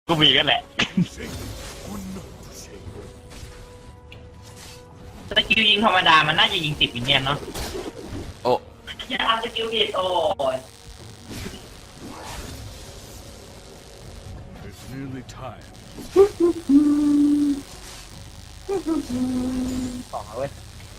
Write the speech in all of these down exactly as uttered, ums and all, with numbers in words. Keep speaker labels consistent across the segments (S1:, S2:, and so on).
S1: ก็มีกันแหละ
S2: สกิลยิงธรรมดามันน่าจะยิงติดวิญญาณเนาะ
S3: โอ้
S2: อย่าทำสกิลผิดโอ้ยสองเอาเว้ย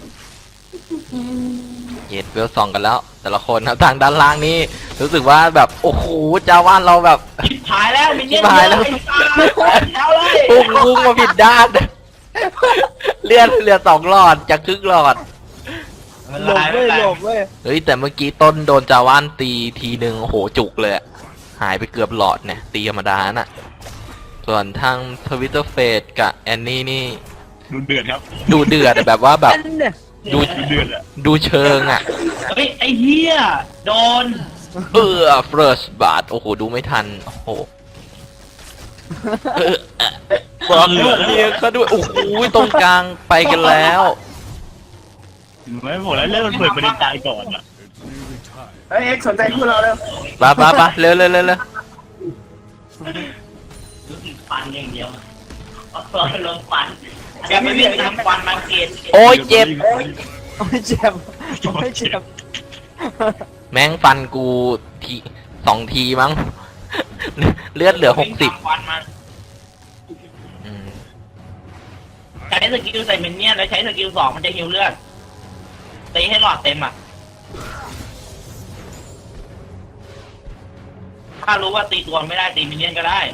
S3: เย็ดเวลสองกันแล้ว แต่ละคนครับทางด้านล่างนี่รู้สึกว่าแบบโอ้โหจาว่านเราแบบ
S2: ชิบหายแล้วมินเนี่ย
S3: ชิบหายแล้ว
S2: แล้วเลย
S3: พุ่งพุ่งมาผิดด้านเลื่อนเรือสองหลอดจากครึ่งหลอด
S2: หลบเว้ยหลบเว้ย
S3: เฮ้ยแต่เมื่อกี้ต้นโดนจาว่านตีทีหนึ่งโอ้โหจุกเลยหายไปเกือบหลอดเนี่ยตีธรรมดาน่ะส่วนทางทวิตเตอร์เฟสกับแอนนี่นี่
S1: ดูเดือดครับ
S3: ดูเดือดแบบว่าแบบดู
S1: ดูเดือดอะ
S3: ดูเชิงอ่ะ
S2: เฮ้ยไอ้เหี้ยโดน
S3: เออเฟิร์สบาทโอ้โหดูไม่ทันโอ้โหเออบอกลูกเมียเขาด้วยโอ้โหตรงกลางไปกันแล้ว
S1: ไม่บอกแล้วเรื่องมันเปิดประเด็นตายก่อนอะ
S4: เฮ้ยเอ็กซ์สนใจคู่เราแล้ว
S3: ปะปะปะเร็วเร็วเร็วเร็ว
S2: ฟันอย่างเดียวลงฟันอย่าไปวิ่งทำฟันมาเกณฑ์
S3: โอ้ยเจ็บ
S4: โอ้ยเจ็บโอ้ยเจ็บ
S3: แม่งฟันกูทีสองทีมั้งเลือดเหลือหกสิบ
S2: ฟันมันใช้สกิลใส่เมนเนี่ยแล้วใช้สกิลสองมันจะฮิวเลือดตีให้หลอดเต็มอ่ะถ้ารู้ว่าตีตัวไม่ได้ตีมินเนี่ยนก็ได้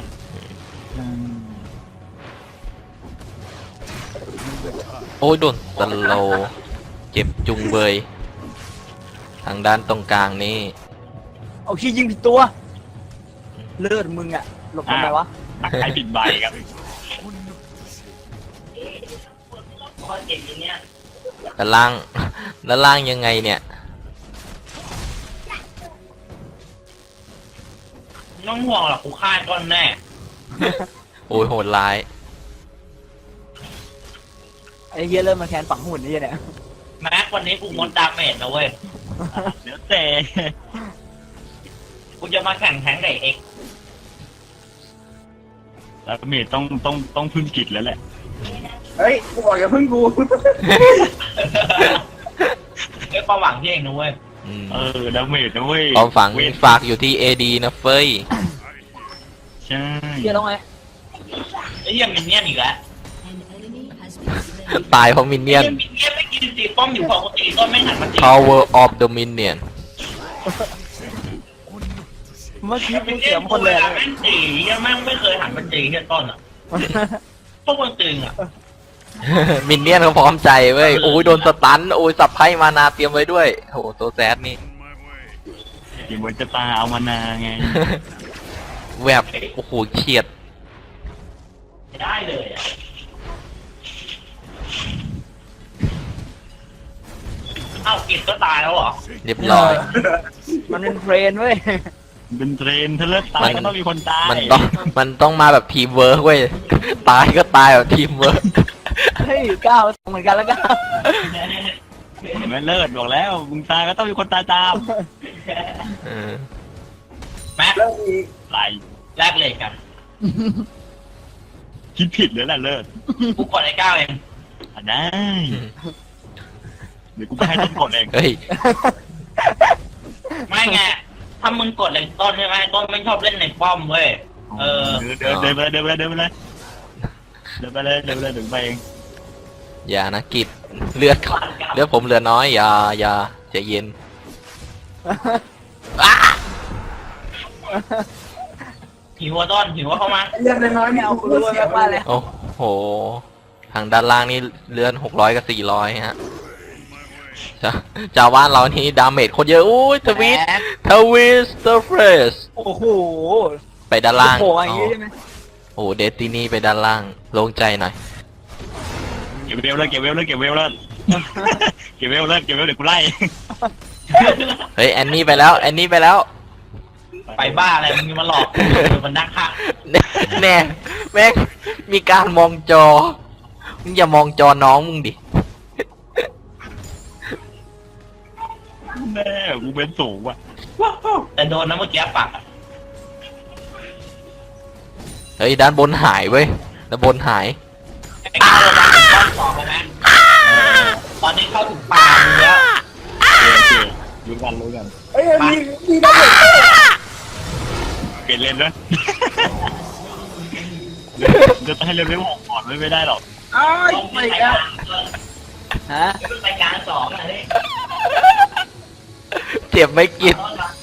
S3: โอ้ยโดนสโลว์เจ็บจุงเบยทางด้านตรงกลางนี่
S4: เอาขี้ยิงผิดตัวเลือดมึงอะหลบทำไมวะ
S1: ตักใครผิดใบครับ
S2: ข้อเจ็บอย่างเนี้ย
S3: ด้านล่างด้านล่างยังไงเนี่ย
S2: น้องห่วงหรอกกูฆ่าก้อนแน่
S3: โอ้ยโหดร้าย
S4: ไอ้เหี้ยเริ่มมาแคนฝังหุ่นนี่เนี่ย
S2: แม็กวันนี้กูงดดาเมจนะเว้ย
S1: เดี๋ยวแต่
S2: กูจะมาแข่งแทงไก่เอ็ก
S1: แล้วเมย์ต้องต้องต้องพึ่งกิจแล้วแหละ
S4: เฮ้ยกูบอกอย่าพึ่งกู
S2: เป็นความหวังที่เองนะเว้ย
S3: อืม
S1: เออแล้วเมย์นะเว้ย
S3: ความฝัง
S1: เวท
S3: ฝากอยู่ที่เอดีนะเฟ้ย
S1: ใช่
S4: เหี้ยแล้วไง
S2: ไอ้เหี้ยังมินเนี่ยนอีกแล้ว
S3: ตายเพราะมินเนี่ยน
S2: ไอ้มินเนี่ยนไม่กินตีป้อมอยู่ปกติต้นไม่หันมาตี
S3: power of the minion
S4: เมื่อกี้
S2: มิ
S4: กู
S2: น
S4: เสี
S2: เนี่ย
S4: ย
S2: น
S4: ง
S2: ค
S4: คน
S2: น
S4: เล
S2: เลย ยแม่งตียังแม่งไม่เคยหันมาตีแค่ต้นอ่ะพวกมึงตึงอ่ะ
S3: มินเนี่ยนเขาพร้อมใจเว้ยโอ้ยโดนสตันโอ้ยสับไพ่มานาเตรียมไว้ด้วยโอ้โหตัวแซดนี่
S1: เดี๋ยวมันจะตาเอามานาไง
S3: แวบโอ้โหเฉียด
S2: ได้เลยอ่ะเอ้ากิดก็ตายแล้วเหรอ
S3: เรียบร้อย
S4: มันเป็นเทรนเว้ย
S1: เป็นเทรนถ้าเลิกตายก็ต้องมีคนตาย
S3: มันต้องมันต้องมาแบบทีมเวิร์กเว้ยตายก็ตายแบบทีมเวิร์ก
S4: เฮ้ยก้าวเหมือนกันแล้วก้าว
S1: ไม่เลิศบอกแล้วมึงตายก็ต้องมีคนตายตาม
S3: เออ
S2: แม็ก
S1: ไร
S2: แลกเลยกัน
S1: คิดผิดเลยแหละเลิศ
S2: กูกดไอ้ก้าวเอง
S1: อ่ะได้เดี๋ยวกูไปให้ต้นกดเอง
S3: เฮ้ย
S2: ไม่ไงถ้ามึงกดเลยต้นใช่ไหมต้นไม่ชอบเล่นในป้อมเว้ยเออ
S1: เดินเดินไปเลยเดินไปเลยเดินไปเลยเดินไปเลยเดินไปเลยเดินไปเอง
S3: อย่านะกิดเลือดเลือดผมเหลือน้อยอย่าอย่าใจเย็นอ้า
S2: หิวอะต้นหิวอะเข้ามา
S4: เลือดน้อยไม่เอากูรู้แม็กมาเลย
S3: โอ้โหทางด้านล่างนี่เลื่อนหกร้อยกับสี่ร้อยฮะจะจาว่านเรานี่ดาเมจโคตรเยอะอุ้ยทวิตทวิสเตอร์เฟส
S4: โอ้โห
S3: ไปด้านล่าง
S4: โอ้โหอย่างงี้ใช่ไหม
S3: โอ้เดตินี่ไปด้านล่างโล่งใจหน่อย
S1: เก็บเวลเลยเก็บเวลเลยเก็บเวลเลยเก็บเวลเลยเก็บเวลเดี๋ยวกูไล่
S3: เฮ้ยแอนนี่ไปแล้วแอนนี่ไปแล้ว
S2: ไปบ้าอะไรมึงมาหลอกกูมันนักฆ่า
S3: แน่แน่แม่งมีการมองจอมึงอย่ามองจอน้องมึงดิ
S1: แม่กูเป็นสูงว่ะ
S2: แต่โดนนะเมื่อกี้ปากอะ
S3: เฮ้ยด้านบนหายเว้ยด้านบนหาย
S2: ไอ้ก้าวเราดันรอบสองแล้วนะตอนนี้เข้าถึงป่าเนื้อ
S1: โอเครู้กันรู้กัน
S4: เอ้ยมีมีได้เลย
S1: เปลี่ยนเลนด้วยเดี๋ยวจะให้เร็วไม่หกก่อนไม่ได้หรอก
S4: อ้าย
S2: ต้อง
S4: ไม่
S2: ไป
S4: ได้
S2: กลาง
S4: ฮะ
S2: ต้องไปกลางสองอ่ะนี่
S3: เจ็บไหม่กิน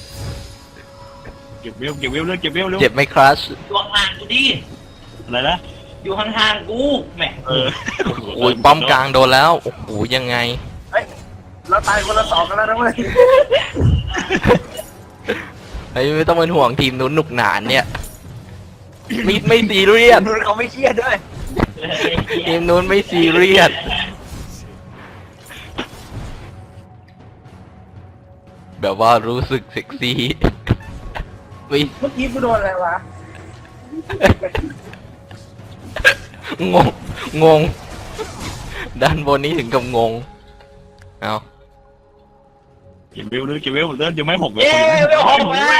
S1: เก็บเวลเก็บเวลเร็วเก็บเวลเร็ว
S3: เจ็บไหมครัช
S2: อยู่ห่างๆกูดิ
S1: อะไรนะ
S2: อยู่ห่างๆกูแหม
S1: เออ
S3: โอ้ยป้อมกลางโดนแล้วโอ้โหยังไง
S4: เฮ้ยเราตายคนละสองกันแล้วนะเว้ย
S3: เฮ้ยไม่ต้องเป็นห่วงทีมนู้นหนุกหนานเนี่ยไม่ไม่ซีเรียส
S4: นู่นเขาไม่เครียดด้วย
S3: ทีมนู้นไม่ซีเรียสแบบว่ารู้สึกเซ็กซี่ไม่
S4: เมื่อกี้กูโดนอะไรวะ
S3: งงงงด้านบนนี้ถึงกับงงเอา
S1: เก็บเวลเลยเก็บเวลเริ่มยังไม่หกเลย
S2: เย้ไม่หกแล้ว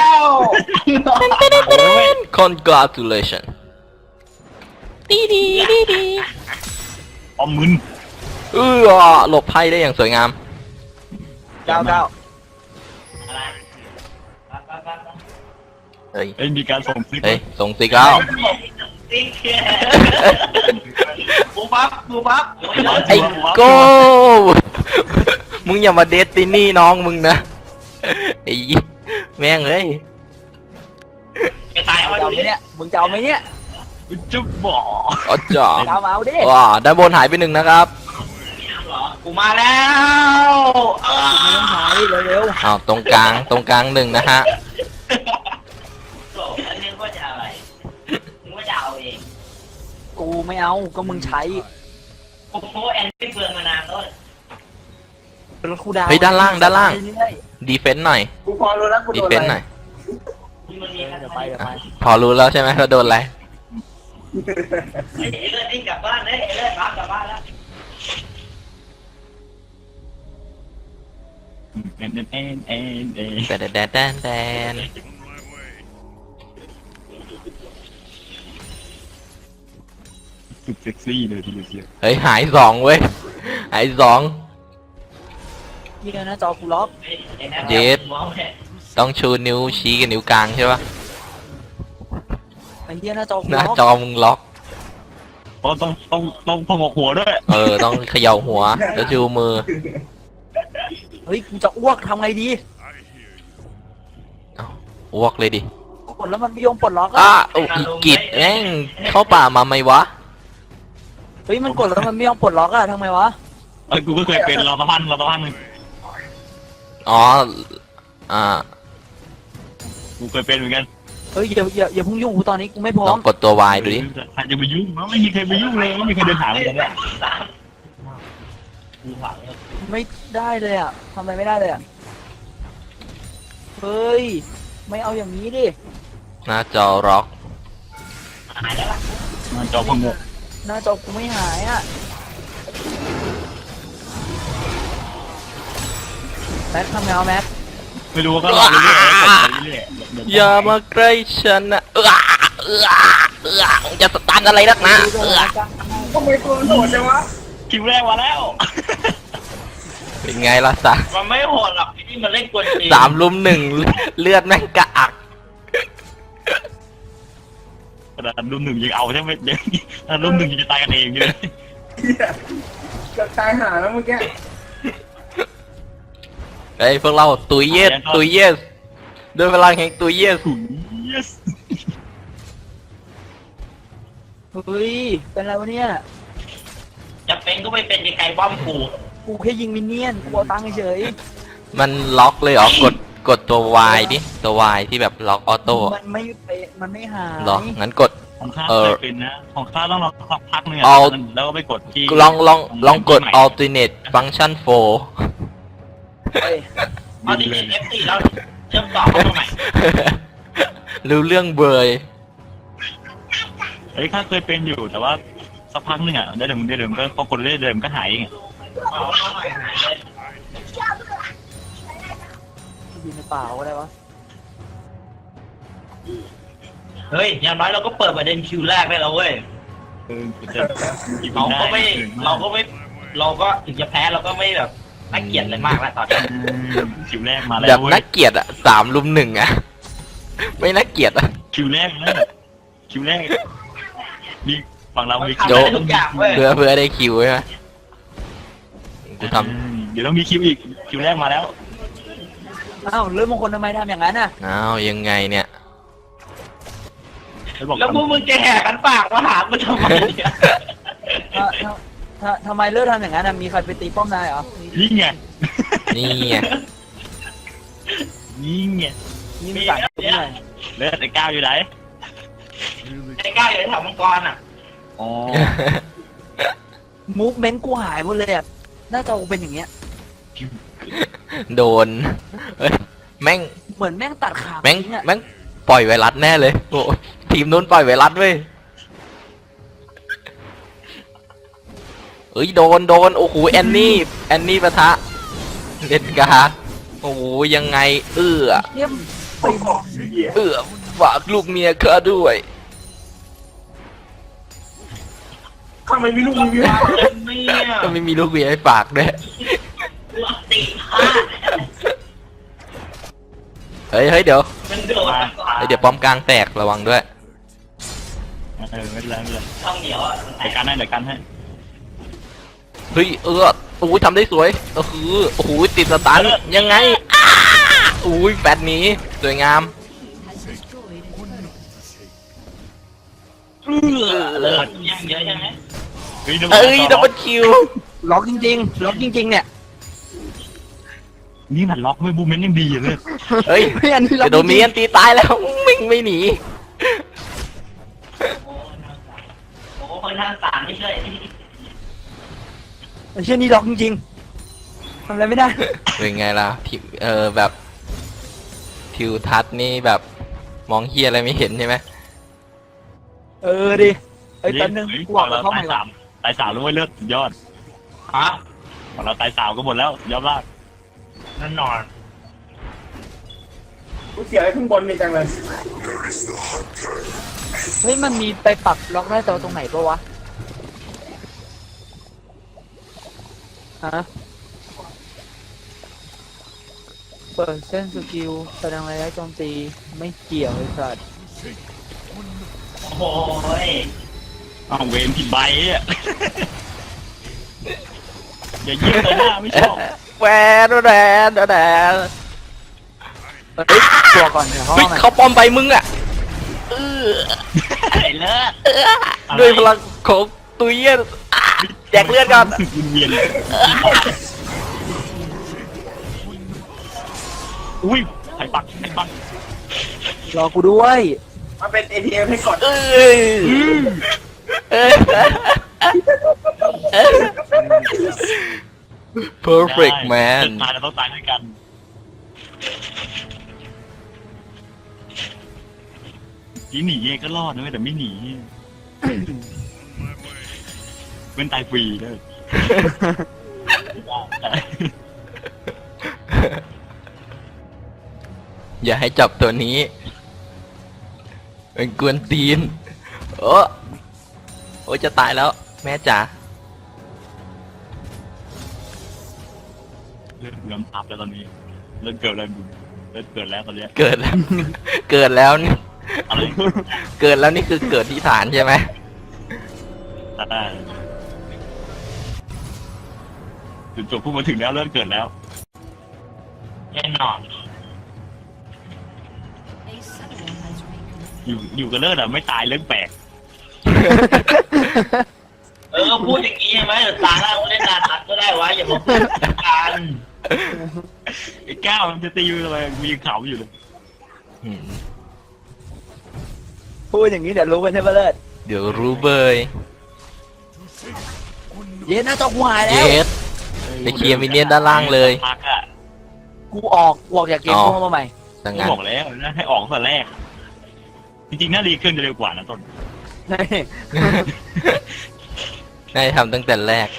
S3: congratulation ดีดีดีดี
S1: ออมมึน
S3: เออหลบไพ่ได้อย่างสวยงาม
S4: เก้าเก้า
S3: เฮ้ย
S1: เอ้ยมีการส่งซิก
S3: เฮ้ยส่งสิเก้า
S2: ติ๊กแค่บูบับบูบับ
S3: ไอ้โก้มึงอย่ามาเดทตินี่น้องมึงนะไอ้แม่งเอ้ย
S2: จะตายเอา
S4: จะเอา
S2: ดู
S4: ไหม
S2: ดิ
S4: เนี่ยมึงจะเอาไหมเนี่ย
S1: จะบอก
S3: อ๋อจ๋า
S4: จะเอามาเอาดิ
S3: ว้าด้านบนหายไปหนึ่งนะครับ
S2: กูมาแล้วเออ
S4: มึงต้องหายเร็ว
S3: อ้าวตรงกลางตรงกลางหนึ่งนะฮะ
S2: โอ้ยนึกว่าจะอะไรนึกว่าจะเอาเอง
S4: ๆกูไม่เอาก็มึงใช้
S2: โอ้โหแอนไม่เบืองมานานแล้ว
S4: รถคูดาว
S3: เฮ้ยด้านล่างด้านล่าง
S4: เรื่อย
S3: ดีเฟนต์หน่อย
S4: ๆกูพอรู้แล้วกู
S3: ดี
S4: โดน
S3: เฟ
S4: อะ
S3: นต์ห
S4: ไร
S3: น่อย
S2: มันมี
S4: เดี๋ยวไปเดี๋ยว
S3: อ่ะ
S4: ไป
S3: พอรู้แล้วใช่ไหมว่าโดนอะไร
S2: เอเลิศนี่กลับบ้านเลยเอเลิศรับกลับบ้านแล้ว
S1: เอ็นเอ็นเอ็นเอ็นเอ็น
S3: แดนแดนแดนแดน
S1: สุดเซ็กซี่เลยทีเดียว
S3: เฮ้ยหายสองเว้ยหายสอง
S4: เยี่ยนะจอกูล็อก
S3: เย็ด ต้องชูนิ้วชี้กับนิ้วกลางใช่ปะ
S4: ไอ้เยี่ยนะจอกู
S3: หน้า
S4: ล็อก
S3: จอมึงล็อก
S1: เพราะต้องต้องต้องพงกหัวด้วย
S3: เออต้องเขย่าหัวแล้วชูมือ
S4: เฮ้ยกูจะอ้วกทำไงดี
S3: เอ้าอ้วกเลยดิ
S4: กดแล้วมันไม่ยอมปลดล็อก
S3: อ้า
S4: อ่ะ
S3: โอ้อีกิดแม่งเข้าป่ามาไหมวะ
S4: เฮ้ยมันกดแล้วมันไม่ยอมปลดล็อกอ่ะทำไมวะ
S1: เอ้ยกูก็เคยเป็นรอตะพันรอตะพันหนึ่ง
S3: อ๋ออ่า
S1: กูเคยเป็นเหมือนกัน
S4: เฮ้ยอย่าอย่าอย่าเพุ่งยุ่งกูตอนนี้กูไม่พร้อ
S3: ลอ
S4: ม
S3: งกดตัว Y ดูดิ
S1: ใครจะไปยุ่งไม่มีใครไปยุ่งเลยไม่มีใครเดินหาเลยเนี่ย
S2: สามกูหวัง
S4: ไม่ได้เลยอ่ะทำอะไรไม่ได้เลยอ่ะเฮ้ยไม่เอาอย่างนี้ดิ
S3: หน้าจอล็อก
S2: หายแล้วล่ะ
S1: มันจอพงก
S4: หน้าจอกูไม่หายอ่ะแม็กทำไงเอาแม็ก
S1: ไม่รู้ก็รอเรื่อยๆกดไปเรื่อยๆ
S3: อย่ามาใกล้ฉันนะเออเออเออมึงจะสตันอะไรนักหนะเออ
S4: ทำไมกูโหดจังวะ
S1: คิวแรกมาแล้ว
S3: เป็นไงล่ะสะ
S2: มันไม่โหดหรอกที่นี่มันเล่นกวนตีน
S3: สามลุมหนึ่งเลือดแม่งกระอัก
S1: ขนาดรุ่นหนึ่งยังเอาใช่ไหมยังถ้ารุ่นหนึ่งยังจะตายกันเองอยู่เลย
S4: จะตายหาแล้วเมื่อกี้
S3: เฮ้ยพวกเราตุยเยสตุยเยสด้วยพลังแห่งตุยเยส
S1: ถุย yes
S4: เฮ้ยเป็นไรวะเนี่ย
S2: จะเป็นก็ไม่เป็นไกลๆบ้อมกู
S4: กูแค่ยิงมินเนี่ยนกูเอาตังค์เฉย
S3: มันล็อกเลยเหรอกดกดตัว Y ดิตัว Y ที่แบบล็อกออโต้
S4: มันไม่เป็นมันไม่หาย
S3: เหรองั้นกด
S1: ของข้า
S3: เออ
S1: เคยเป็นนะของข้าต้องรอสักพักหนึง
S3: เอา
S1: อะแล้วก็ไปกดที่
S3: ลองลองลองกด alternate function โฟร์
S4: เฮ้ย
S2: เอาดิเอฟซีแล้วเชื่อมต่อเข้ามาใหม่
S3: รู้เรื่องเบย
S1: เฮ้ยข้าเคยเป็นอยู่แต่ว่าสักพักหนึงอ่ะได้เดิมได้เดิมก็พอกดได้เดิมก็หายเองอะ
S2: เอาเข้าใหม่หายเลย
S4: อยู่ในป่าอะไรวะ
S2: เฮ้ยอย่างน้อยเราก็เปิดประเด็นคิวแรกได้แล้วเว้ย
S1: เออจะกิน
S2: เราก็ไม่
S1: ด้
S2: เราก็ไม่เราก็ถึงจะแพ้เราก็ไม่แบบน่าเกลียดอะไรมากแล้วตอนนี้
S1: คิวแรกมาแล้
S3: แบ
S1: ว
S3: บ
S1: เว้
S3: น่าย เกลียดอะสามลุมหนึ่งอะไม่น่าเกลียดอะ
S1: คิวแรกนะคิวแรกมีฝั่งเรามี
S2: ทำได้ทุกอย่างเว้ย
S3: เพื่อเพื่อได้คิวใช่ไหมกูท
S1: เดี๋ยวต้องมีคิวอีกคิวแรกมาแล้ว
S4: อ้าวเรื่องมงคลทำไมทำอย่างนั้นอ่ะ
S3: ำอ้าวยังไงเนี่ย
S1: แล้วบอก
S2: แล้วพวกมึงจะแหกกันปากมาหากูทำไมเนี่ย
S4: ถ้าถ้าถ้าทำไมเลิกทำอย่างนั้นอะมีใครไปตีป้อมนายเหรอ
S1: นี่ไง
S3: นี่ไง
S1: นี่ไง
S4: ยิงสั่งตัวหน่อย
S1: เลือดไอ้ก้าวอยู่ไหน
S2: ไอ้ก้าวอยู่ในแถวมังกรอ่ะ
S1: อ๋อ
S4: มูฟเมนต์กูหายหมดเลยอะหน้าจอกูเป็นอย่างเงี้ย
S3: โดนเฮ้ยแม่ง
S4: เหมือนแม่งตัดขา
S3: แม่ง
S4: ทิ้อะ
S3: แม่งปล่อยไวรัสแน่เลยโอ้ทีมนู้นปล่อยไวรัสเว้ยเอ้ยโดนโดนโอ้โหแอนนี่แอนนี่ปะทะเล่นกาโอ้โหยังไง เอื้อ
S4: เยี่ยมไปบอก
S3: เอื้อฝากลูกเมียข้าด้วย
S2: ทำไมมีลูกมือเยอะเนี่ย
S3: ก็ไม่มีลูกเมียให้ฝากด้วย
S2: ลัติพลาด
S3: เฮ้ยเฮ้ยเดี๋ยว
S2: มันโดดมาก่อน
S3: เฮ้ยเดี๋ยวป้อมกลางแตกระวังด้วย
S1: เออไม่เป็นไรไม่เป็นไร
S2: ต้องเหนียวอ่ะ
S1: เดี๋ยวกันให้เดี๋ยวกันให้
S3: เฮ้ยเออโอ้ยทำได้สวยเออคือโอ้โหติดสตันยังไงอ้าอุ้ยแฟดหนี้สวยงาม
S1: เออเลิศ
S2: ยังเยอะใช่ไหม
S1: เฮ้ย
S3: เอ้ยดับเบิลคิว
S4: ล็อกจริงๆล็อกจริงๆเนี่ย
S1: นี่มันล็อกไม่บูมเมนต์ยังดีอยู่เลย
S3: เฮ้ย
S4: เฮ้ยอันนี้ล็อก
S3: จะโดนมีอันตีตายแล้วมิงไม่หนี
S2: โอ้คนทางสามไม่ช่วย
S4: ไอ้เช่นนี้ล็อกจริงๆทำอะไรไม่ได้
S3: เป็นไงล่ะทิวเออแบบทิวทัศน์นี่แบบมองเฮียอะไรไม่เห็นใช่ไหม
S4: เออดิไอ้ยตอนนึง
S1: ฮ้ย
S4: กูบอกแล้วเข้า
S1: ตา
S4: ใหม่
S1: ย
S4: ก่อ
S1: สาน มตายสามแล้วเว้ยเลือดสุดยอด
S2: ฮะ
S1: ของเราตายสามก็หมดแล้วยอดมาก
S2: นั่นนอน
S5: กูเสียไอ้ข้างบนนี่จังเลย
S4: เฮ้ยมันมีไปปรับล็อกได้ตัวตรงไหนปะวะฮะเปิดเส้นสกิลแสดงระยะโจมตีไม่เกี่ยวไอ้สัตว์
S2: โอ้ย
S1: อ้าวเวนผิดใบอ่ะ อย่ายิงเลยหน้าไม่ชอบ
S3: แหวนแหวนแหวน
S4: เฮ้ยตัวก่อนเดี๋ยวเขา
S3: เฮ้ย
S4: เอาใหม่
S3: เขาปลอมใบมึงอ่ะเออ
S2: ไอ้เลิศ
S3: ด้วยพลังของตุยเย็นอ่ะแจกเลือดก่อน
S1: รู้สึกเวียนๆอุ้ยไข่ปักไข่ปัก
S4: รอกูด้วย
S5: มันเป็น เอ ที เอ็ม ให้กด
S3: เออเออ perfect
S1: ได้
S3: man
S1: ตายเราต้องตายด้วยกันที่หนีเย่ก็รอดนะเว้ยแต่ไม่หนีเป็นตายฟรีเลย
S3: อย่าให้จับตัวนี้ เป็นกวนตีน โอ้โอ้ยจะตายแล้ว แม่จ๋า
S1: เลือดเริ่มอัพแล้วตอนนี้เลือดเกิดอะไรบุญเลือดเกิดแล้วตอนเนี้ย
S3: เกิดแล้ว เกิดแล้วนี่
S1: อะไร
S3: เกิดแล้วนี่คือเกิดที่ฐานใช่ไหม
S1: ตัดได้จุดจบพูดมาถึงแล้วเลือดเกิดแล้ว
S2: แน่นอน
S1: อยู่อยู่กับเลือดอะไม่ตายเรื่องแปลก
S2: เออพูดอย่างนี้ใช่ไหมเดี๋ยวตาหน้ากูเล่นนาทัดก็ได้วะอย่ามาพูดกัน
S1: ไอ้ก้าวมันจะตีอยู่เลยมีเขาอยู่เลย
S3: อืม
S4: พูดอย่างนี้เดี๋ยวรู้กันใช่ปะเลิศ
S3: เดี๋ยวรู้เบย
S4: เย็นหน้าจอกูหาย
S3: เย
S4: แล้ว
S3: ส ไปเคลียร์มินเนี่ยนด้านล่างเลย
S1: พักอะ
S4: กูออกกูออกจากเกม
S3: อ๋อ
S4: กูเข้ามาใหม่
S3: ดัง
S1: ก็
S3: นั้น
S1: บอกแล้วนะให้ออกตั้งแต่แรก จริงๆน่ารีเครื่องจะเร็วกว่านะต้น
S4: ใช่
S3: น่าจะทำตั้งแต่แรก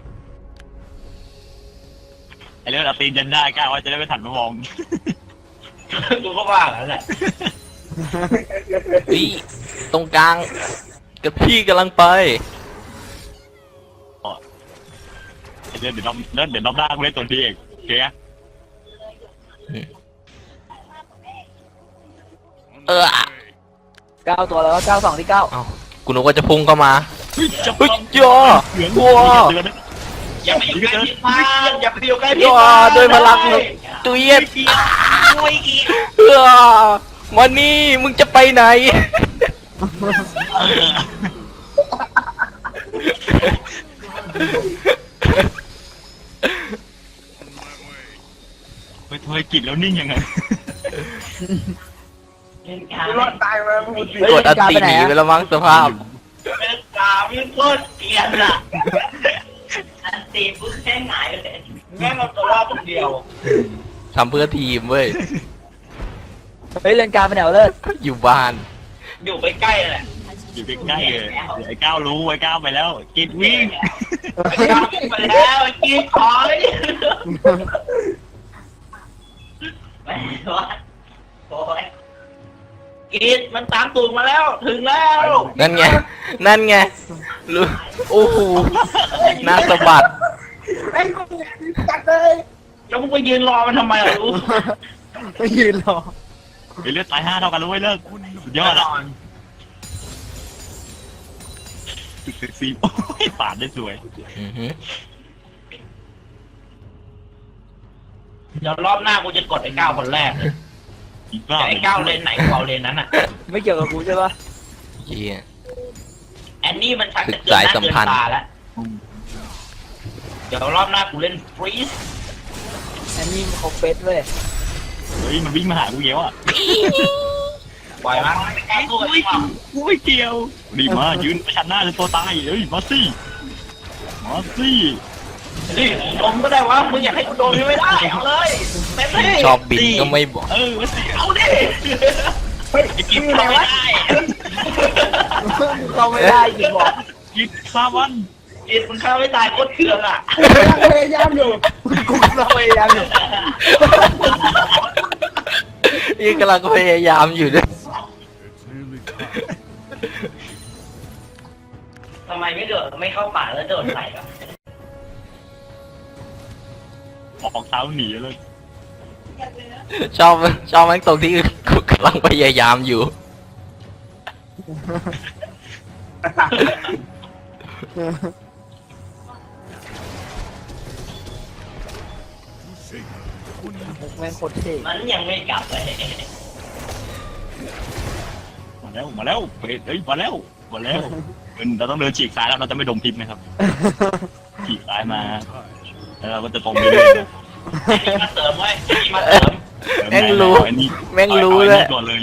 S1: ไอ้เรื่องเอาตีนยันได้ก้าวว่าจะได้ไม่ถันมามอง
S2: กูก็ว่าแล้วแหละ
S3: เฮ้ยตรงกลางกับพี่กำลังไป
S1: เดี๋ยวเดี๋ยวรอบเดี๋ยวเดี๋ยวรอบหน้ากูเล่นตัวนี้เองโอเคอะ
S3: เออ
S4: เก้าตัวแล้วก็เก้าสองที่เก้า
S3: เอ้ากูนึกว่าจะพุ่งเข้ามา
S1: เฮ้ยจะ
S3: เฮ้ยย่อ
S1: เหลือง
S3: ว้า
S1: เดือนนะ
S2: อย่าไปอยู่ใกล้พี่มากอย่าไปอยู่ใกล้พี่
S3: ย่อ
S2: มาก
S3: ด้วยพลังตุยเย็ด
S2: ไม่เกี่ยว
S3: เออมานี่มึงจะไปไหน
S1: ไปทอยกิจแล้วนิ่งยังไง
S5: กูรอดตายมาพูดสิ
S3: กดอันตีหนีไปแล้วมั้งสภาพ
S2: เป็นกาพี่โคตรเกลียดอ่ะอันตีปุ๊บแค่หงายเลยแม่งเอาตัวรอดคนเดียว
S3: ทำเพื่อทีมเว้ย
S4: เฮ้ยเลนกลางไปไหนวะเลิศ
S3: อยู่บ้าน
S2: อยู่ใกล้ๆแหละ
S1: อยู่ใกล้ๆเลยเดี๋ยวไอ้ก้าวรู้ไอ้ก้าวไปแล้วกิจวิ่ง
S2: ไปแล้วไปแล้วกินถอยไปวะโอ้ยกินมันตามตูดมาแล้วถึงแล้ว
S3: นั่นไง นั่นไงรู้โอ้โหหน้าสะบัด
S5: ไอ้กูจัดเลย
S2: แล้วมึงไปยืนรอมันทำไมล่ะรู้
S4: ไม่ยืนรอ
S1: ไอ้เลือดตายห้าเท่ากันรู้ไว้เลิกสุดยอดอ่ะตึกเซ็กซี่โอ้ยปาดได้สวย
S3: อือหือ
S2: เดี๋ยวรอบหน้ากูจะกดไอ้ก้าวคนแรกเลย
S1: อีกรอบ
S2: แต่ไอ้ก้าวเลนไหนกูเอาเลนนั้นอ่ะ
S4: ไม่เกี่ยวกับกูใช่ปะ
S3: เหี้ย
S2: แอนนี่มันชักจะ
S3: ศึก
S2: เกินห
S3: สาย
S2: น้า
S3: สัม
S2: เกิน
S3: พันธ์
S2: ตาแล้วเดี๋ยวรอบหน้ากูเล่นฟรีส
S4: อันนี้เขาเฟสเว้ย
S1: เฮ้ยมันวิ่งมาหากูเยอะอ่ะ
S2: ปล่อยมันแอนกูไอ้หว่า
S1: กูไม่เกี่ยวดีมายืนประชันหน้าจนตัวตายเฮ้ยมาสิมาสิ
S2: นี่โดนก็ได้วะมึงอยากให้กูโดนไม่ได้เอาเลยเต็มที่
S3: ชอบบินก็ไม่บอก
S1: เออมาสิ
S2: เอาดิ
S5: เฮ้ย
S2: ไอ้กิฟต์เข้าไม่ได้
S4: เข้าไม่ได้จริงบอก
S1: กิจซาวัน
S2: กิฟต์มึงเข้าไม่ตายโคตรเคืองอ่ะ
S5: พยายามอยู่
S4: กูเราพยายามอยู่
S3: นี่กำลังพยายามอยู่ด้วย
S2: ทำไมไม่โดดไม่เข้าป่าแล้วโดดใส่อ่ะ
S1: ออกเท้าหนีเลย
S3: ชอบชอบแม่งตรงที่กูกำลังพยายามอยู่
S4: แม่งโคตรเท่
S2: มันยังไม่กลับเลย
S1: มาแล้วมาแล้วเฮ้ยเฮ้ยมาแล้วมาแล้วเออเราต้องเดินฉีกซ้ายแล้วเราจะไม่ดมพิษนะครับฉีกซ้ายมาแล้วเราก็จะตรงไปเรื่อยๆนะ
S2: ไอ้นี่มาเสริมเว้ยไอ้นี่มาเสริม
S3: แม่งรู้
S1: เอาไอ้นี่
S3: แม่งรู้
S1: อาไอ้
S3: เลย
S1: นี่ก่อนเลย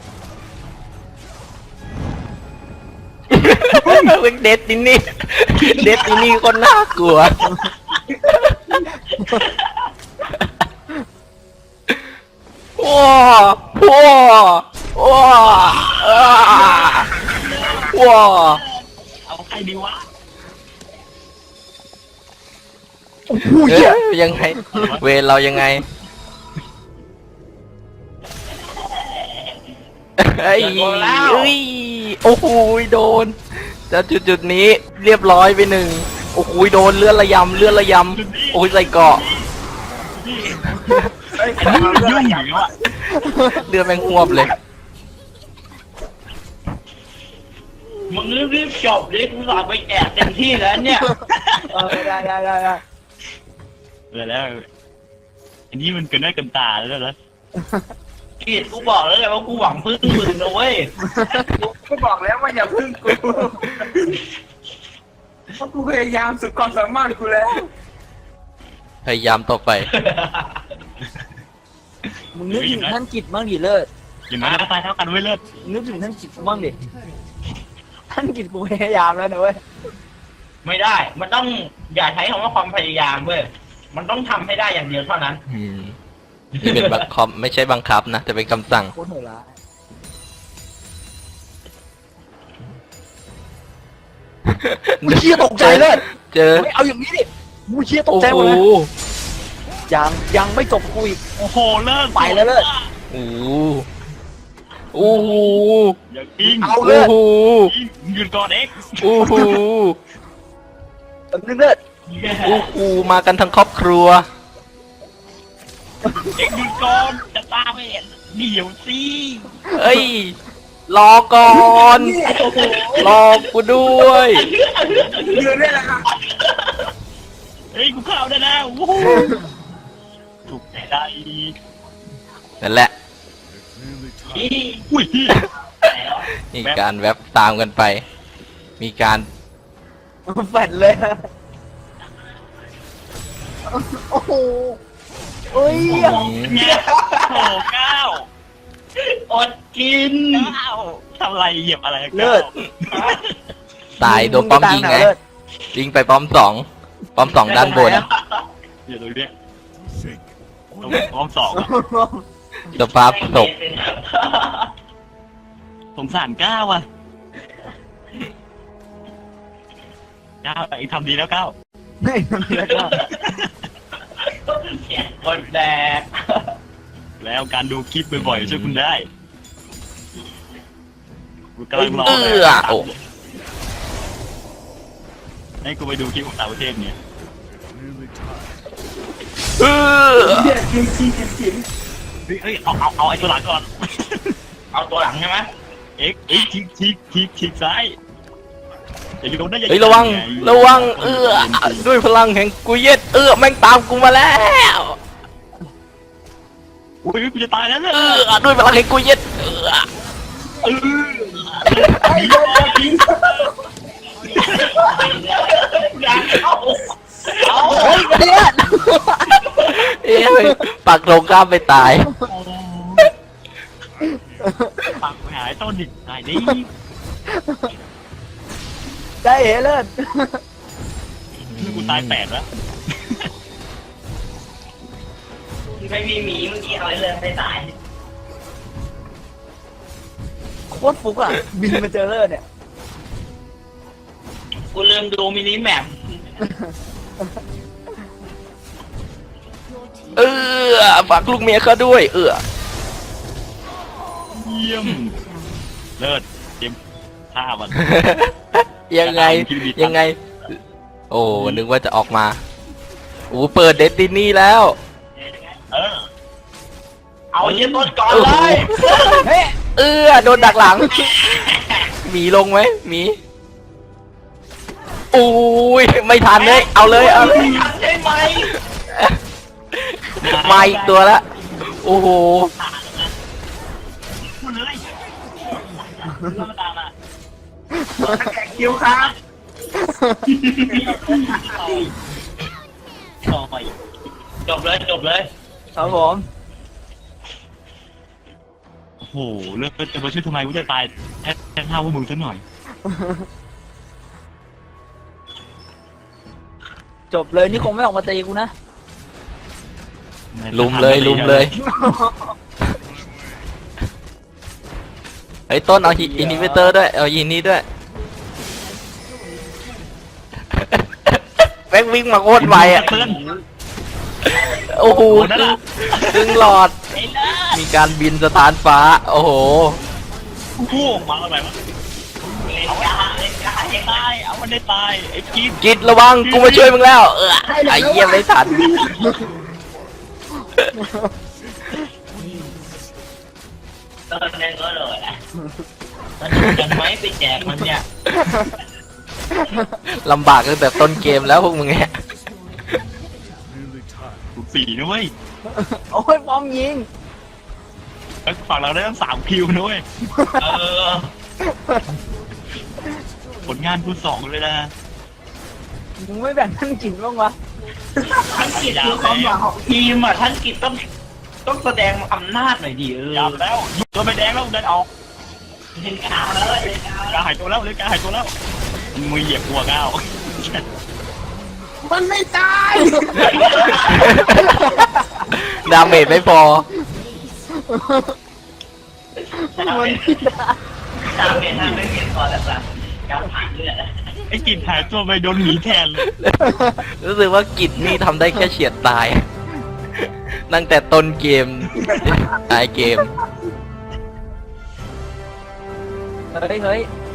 S3: เป็นเด็ดดินี่ เด็ดดินี่คนน่ากลัว ว้าว้าว้าอ้าว้า
S1: เอาใครดีวะ
S3: เอ๊ะยังไง เวรเรายังไงเฮ้ยเอ้ยโอ้โหโดนจากจุดจุดๆนี้เรียบร้อยไปหนึ่งโอ้โหโดนเลื่อนระยำเลื่อนระยำโอ้ยใส่เกาะ
S5: เฮ้ย
S1: อันนี้มันยุ่งอยู่แล้วอะ
S3: เลือดแม่งหวบเลย
S2: มึงรีบๆจบดิกูสอบไปแอบเต็มที่แล้วเนี่ย
S4: เออได้ได้ได้ได้
S1: เออแล้วอันนี้มันเกินได้เกินตาแล้วนะ
S2: กีดกูบอกแล้วไงว่ากูหวังพึ่งมึงนะเว้ย
S5: กูบอกแล้วว่าอย่าพึ่งกูเพราะกูพยายามสุดความสามารถกูแล้ว
S3: พยายามต่อไป
S4: มึงนึกถึงท่านกิจบ้างดิเลิศ
S1: อย่างนั้นเราก็ตายเท่ากันไว้ยเลิศ
S4: นึกถึงท่านกิจบ้างดิท่านกิจกูพยายามแล้วนะเว้ย
S2: ไม่ได้ มันต้องอย่าใช้คำว่าความพยายามเว้ย มันต้องทำให้ได้อย่างเดียวเท่านั้น
S3: อืมนี่เป็นบังคับไม่ใช่บังคับนะแต่เป็นคำสั่ง
S4: โคตรโหดร้าย มึงเชี่ยตกใจเลย
S3: เจอ
S4: ไม่เอาอย่างนี้ดิมึงเชี่ยตก
S3: โอ้
S4: ใจห
S3: โห
S4: มดเลยยังยังไม่จบกูอีก
S1: โอ้โหเลิศ
S4: ไปแล้วเลิศ
S3: โอ้โหโอ้โห
S1: อย่ากิ้ง
S4: เอา
S3: โอ้
S4: เลือด
S3: โห
S1: กิ้งหยุดก่อนเอ็กซ์
S3: โอ้โห
S4: แป๊บนึงเลือด
S3: โอ้โหมากันทั้งครอบครัว
S1: เอ็กซ์หยุดก่อนจะตามไม่เห็นเดี๋ยวสิ
S3: เอ้ย รอก่อน รอกูด้วย
S5: ยืนได้แล้วครับ
S1: เฮ้ยกูเข้าได้แล้ววู้ฮู้ถูกใจได้
S3: นั่นแหละ
S1: อุ้ย
S3: มีการแวบตามกันไป มีการ
S4: แฟดเลยอะโอ้โหเอ้ย
S1: เนี่ยโอ้เก้า
S2: อดกิน
S1: เก้าทำอะไรเหยียบอะไร
S4: เลือด
S3: ตายโดนป้อมยิงไง
S4: เลือด
S3: ยิงไปป้อมสองป้อมสองด้านบน
S1: เดี๋ยวดูดิต้องต้องสองอะ
S3: สภาพศพ
S1: สงสารก้าวอ่ะก้าวไอ้ทำดีแล้วก้าว
S4: ไม่ทำแล้วก็
S2: คนแดก
S1: แล้วการดูคลิปบ่อยๆช่วยคุณได้กูกำลังรอ
S3: เออโอ้
S1: ให้กูไปดูคลิปของต่างประเทศเนี่ย
S3: เออ
S5: เหี้ยจริงจริงจริงจริง
S1: เฮ้ยเฮ้ยเอาเอาเอาไอ้ตัวหลังก่อน
S2: เอาตัวหลังใช่ไหม
S1: เอ็กเอ็กชิกชิกชิกชิกซ้ายอย่าโดนนะอย่า
S3: เฮ้ยระวัง ระวัง เออด้วยพลังแห่งกุยเย็ดเออแม่งตามกูมาแล้ว
S1: อุ้ยกูจะตายแล้วเนี่ย
S3: เออด้วยพลังแห่งกุยเย็ดเออ
S1: เออ
S5: ไอ้เหี้ยจริง
S2: อยากเอาเอา
S4: เฮ้ยเลือด
S3: เอ้ยปักลงข้ามไปตาย
S1: ปักไปหายต้นดิตายดิ
S4: ได้เอ๋เลือด
S1: กูตายแปดแล้ว
S2: ไม่มีหมีเมื่อกี้เอาไว้เลยไม่ตาย
S4: โคตรฟุกอ่ะ บินมาเจอเลือดเนี่ย
S2: กูลืมดูมินิแมป
S3: เออฝากลูกเมียเขาด้วย เออ
S1: เยี่ยมเลิศเตรียมฆ่ามัน
S3: ยังไง ยังไง โอ้นึกว่าจะออกมาโอ้เปิดเดสตินีแล้ว
S1: เออ
S2: เอาเยี่ยต้นก่อนเลย
S4: เฮ้ย
S3: เออโดนดักหลังหมีลงไหมหมีอุ้ยไม่ทันเลยเอาเลยเอาเลย
S2: ไม่ทันใช่ไหม
S3: มาอีกตัวละโอ้โห
S1: พูดเลยเรามาตามมา
S5: แขกคิวครับ
S1: ต่อไป
S2: จบเลยจบเลย
S4: ครับผม
S1: โอ้โหเลิกจะมาช่วยทำไมกูจะตายแค่แค่เท่าพวกมึงซะหน่อย
S4: จบเลยนี่คงไม่ออกมาตีกูนะ
S3: ลุมเลยลุมเลยไอ้ยต้นเอาอินฮิบิเตอร์ด้วยเอายินนี้ด้วยแม่งวิ่งมาโคตรไวอ่ะ
S1: เตือน
S3: โอ้โห
S1: โอ้นั่นน่ะ
S3: ดึงหลอด มีการบินสถานฟ้า โอ้โห
S1: กูกู้ออกมาแล้วไหมวะ
S2: เล่นกาเล่นกา
S1: ไอ้ตายเอามันได้ตายไอ้กิ๊บ
S3: กิดระวังกูมาช่วยมึงแล้ว เออไอ้เยี่ยมไม่ทัน
S2: ตอนนั้นก็เลยอ่ะมันยังไม่ไปแจกมันเนี่ย
S3: ลำบากตั้งแต่ต้นเกมแล้วพวกมึงเนี่ย
S1: กูสี่นะเว้ย
S4: โอ้ยปอมยิง
S1: แล้วฝั่งเราได้ตั้งสามคิวนะเว้ย
S2: เออ
S1: ผลงานกูสองเลยนะ
S4: มึงไม่แบ่งท่านกินบ้างวะ
S2: ท่านกิจคือความหวังของทีมอ่ะท่านกิจต้องต้องแสดงอำนาจหน่อยดิเออย
S1: าวแล้วตัวไปแดงแล้วเดินออก
S2: เล่นกาเลยเล่นกา
S1: กาหายตัวแล้วเลยกาหายตัวแล้วมือเหยียบหัวก้าว
S5: มันไม่ตาย
S3: ดาเมจไม่พอ
S2: มันไม่ได้ตามเป็นทางไม่เปลี่ยนก่อนแล้วจ้ะการผ่านเลือด
S1: ไอ้กินหายตัวไปโดนหมีแทนเลย
S3: รู้สึกว่ากิจนี่ทำได้แค่เฉียดตายตั้งแต่ต้นเกมท้ายเกม
S4: เฮ้ยเฮ้ย